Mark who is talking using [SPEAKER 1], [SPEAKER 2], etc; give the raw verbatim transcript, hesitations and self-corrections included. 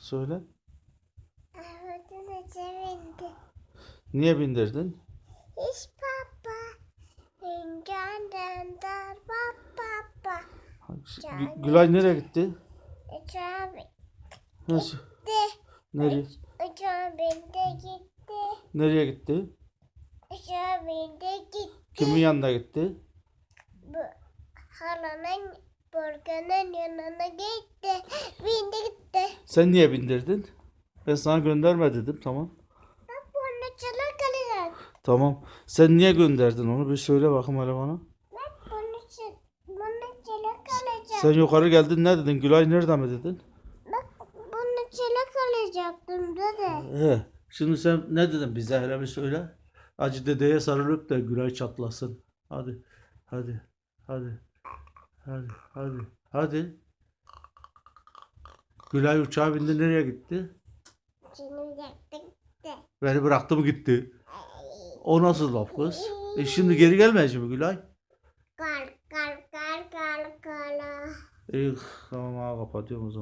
[SPEAKER 1] Söyle.
[SPEAKER 2] Arabada sevindi.
[SPEAKER 1] Niye bindirdin?
[SPEAKER 2] İş baba. İncandan dar baba.
[SPEAKER 1] Gü- Gülay nereye gitti?
[SPEAKER 2] Uçağa
[SPEAKER 1] Nasıl?
[SPEAKER 2] gitti.
[SPEAKER 1] Nereye?
[SPEAKER 2] Uçağa bindi gitti.
[SPEAKER 1] Nereye gitti?
[SPEAKER 2] Uçağa bindi gitti.
[SPEAKER 1] Kimin yanına gitti?
[SPEAKER 2] Bu halanın Borgan'ın yanına gitti. Bindi gitti.
[SPEAKER 1] Sen niye bindirdin? Ben sana gönderme dedim, tamam.
[SPEAKER 2] Bak bunu çalar kalacak.
[SPEAKER 1] Tamam. Sen niye gönderdin onu? Bir söyle bakayım hele bana.
[SPEAKER 2] Bak bunu çal bunu çalar kalacak.
[SPEAKER 1] Sen yukarı geldin, ne dedin? Gülay nerede mi dedin?
[SPEAKER 2] Bak bunu çalar kalacaktım dede.
[SPEAKER 1] He. Şimdi sen ne dedin bize, hele bir söyle. Acı dedeye sarılıp da Gülay çatlasın. Hadi. Hadi. Hadi. Hadi. Hadi. Hadi. Gülay uçağa bindi, nereye gitti?
[SPEAKER 2] Şimdi yaptık de.
[SPEAKER 1] Beni bıraktı mı gitti? O nasıl laf kız? E şimdi geri gelmeyecek mi Gülay?
[SPEAKER 2] Kal kal kal kal kal.
[SPEAKER 1] İyi, tamam, ha, kapatıyorum o zaman.